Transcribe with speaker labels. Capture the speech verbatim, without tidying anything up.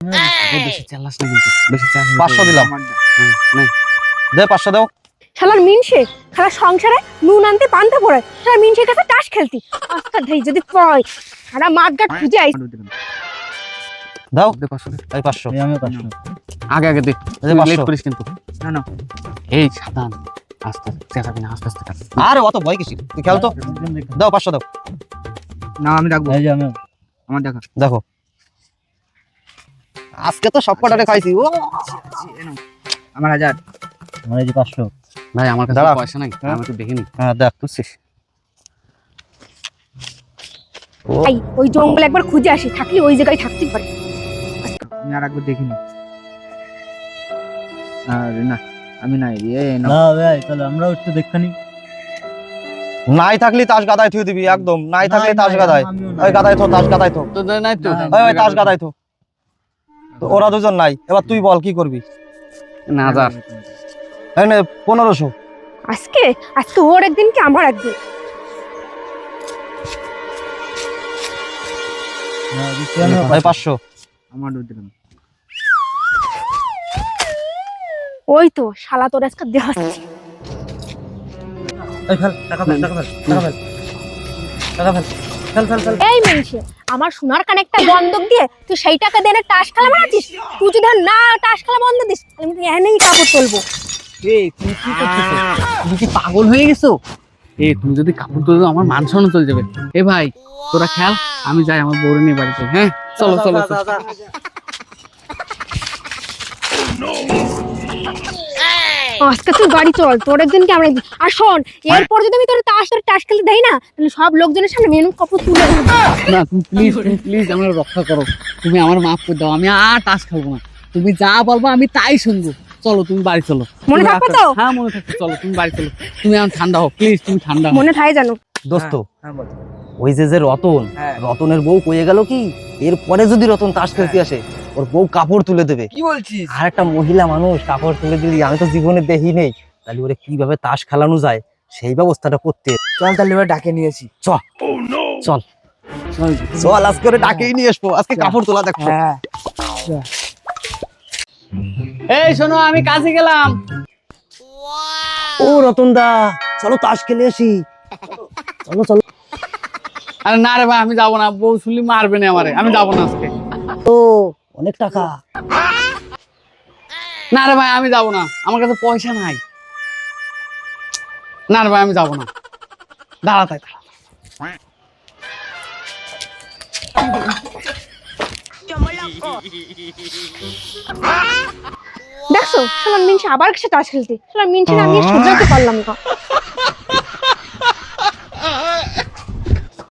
Speaker 1: বেশি চালাস না কিন্তু বেশি চালাস পাঁচশো দিলাম দে পাঁচশো দাও
Speaker 2: শালার মিনসে খালা সংসারে নুন আনতে পান্তা পড়ে শালার মিনসের কাছে তাস খেলতি আজকে ধেই যদি পয় সারা মাঠঘাট খুঁজে আইস
Speaker 1: দাও দে পাঁচশো এই পাঁচশো
Speaker 3: আমি পাঁচশো
Speaker 1: আগে আগে দে লেট করিস কিন্তু
Speaker 3: না না
Speaker 1: এই সাবধান আস্তে আস্তে চেঁচাবি না আস্তে আস্তে আরে অত ভয় কিসির তুই খেল তো দাও পাঁচশো দাও
Speaker 3: না আমি রাখবো এই যে আমি আমার দেখা
Speaker 1: দেখো আজকে তো সব কটারে খাইছি ও
Speaker 3: আমার হাজার আমার এই যে পাঁচশো
Speaker 1: ভাই আমার কাছে পয়সা নাই আমি তো দেখিনি হ্যাঁ দেখ তুই
Speaker 2: এই ওই জঙ্গলে একবার খুঁজে আসি থাকলে ওই জায়গায় থাকতে পারে
Speaker 3: আমি আর একবার দেখিনি আরে না আমি নাই রে না ভাই তাহলে আমরাও একটু দেখানি
Speaker 1: নাই থাকলি তাস গাদায় থুই দিবি একদম নাই থাকলি তাস গাদায় ওই গাদায় থো তাস গাদায় থো তো নাই তো ওই ওই তাস গাদায় থো তো ওরা দুজন নাই এবার তুই বল কি করবি না যা এই নে পনেরোশো
Speaker 2: আজকে আজকে ওর একদিন কি আমার একদিন
Speaker 1: ভাই পাঁচশো
Speaker 3: আমার দিলাম
Speaker 2: ওই তো শালা তোর আজকে দেখাচ্ছি
Speaker 3: এই ফেল টাকা ফেল টাকা ফেল টাকা ফেল টাকা ফেল ফেল ফেল ফেল
Speaker 2: এই মিনসে আমার সোনার কানে একটা বন্ধক দিয়ে তুই সেই টাকা দিয়ে না তাস খেলা মারাছিস তুই যদি না তাস খেলা বন্ধ দিস আমি তো এনেই কাপড় তুলবো
Speaker 1: এই তুমি কি করতেছো তুমি কি পাগল হয়ে গেছো এই তুমি যদি কাপড় তুলে আমার মান সম্মান চলে যাবে এ ভাই তোরা খেল আমি যাই আমার বউরে নিয়ে বাড়িতে হ্যাঁ চলো চলো
Speaker 2: আজকে তুই বাড়ি চল তোর একদিন কি আমরা একদিন আর শোন এরপর যদি আমি তোর তাস তোর তাস খেলতে দেই না তাহলে সব লোকজনের সামনে মেনু কাপড় তুলে দেবো
Speaker 1: না তুমি প্লিজ তুমি প্লিজ আমার রক্ষা করো তুমি আমার মাফ করে দাও আমি আর তাস খেলবো না তুমি যা বলবো আমি তাই শুনবো চলো তুমি বাড়ি চলো
Speaker 2: মনে থাকবে তো
Speaker 1: হ্যাঁ মনে থাকবে চলো তুমি বাড়ি চলো তুমি এখন ঠান্ডা হও প্লিজ তুমি ঠান্ডা হও
Speaker 2: মনে থাকে জানো
Speaker 1: দোস্ত
Speaker 3: হ্যাঁ বল
Speaker 1: ওই যে যে রতন
Speaker 3: হ্যাঁ।
Speaker 1: রতনের বউ কয়ে গেল কি এরপরে যদি রতন তাস খেলতে আসে ওর বউ কাপড় তুলে দেবে
Speaker 3: কি বলছিস
Speaker 1: আর একটা মহিলা মানুষ কাপড় তুলে দিলি আমি তো জীবনে দেখি নেই তাহলে ওরে কিভাবে তাস খেলানো যায় সেই ব্যবস্থাটা করতে
Speaker 3: চল তাহলে এবার ডাকে নিয়েছি
Speaker 1: চল চল চল আজকে ওরে ডাকেই নিয়ে আসবো আজকে কাপড় তোলা দেখো
Speaker 3: হ্যাঁ
Speaker 1: এই শোনো আমি কাজে গেলাম ও রতন দা চলো তাস খেলে আসি চলো চলো আরে না রে ভাই আমি যাবো না বউ শুনলি মারবে না আমারে আমি যাবো না আজকে ও অনেক টাকা না রে ভাই আমি যাবো না আমার কাছে পয়সা নাই না রে ভাই আমি যাবো না দাঁড়া তাই
Speaker 2: দেখছো শালা মিনসে আবার কাছে তাস খেলতে শালা মিনসে আমি সোজাতে পারলাম না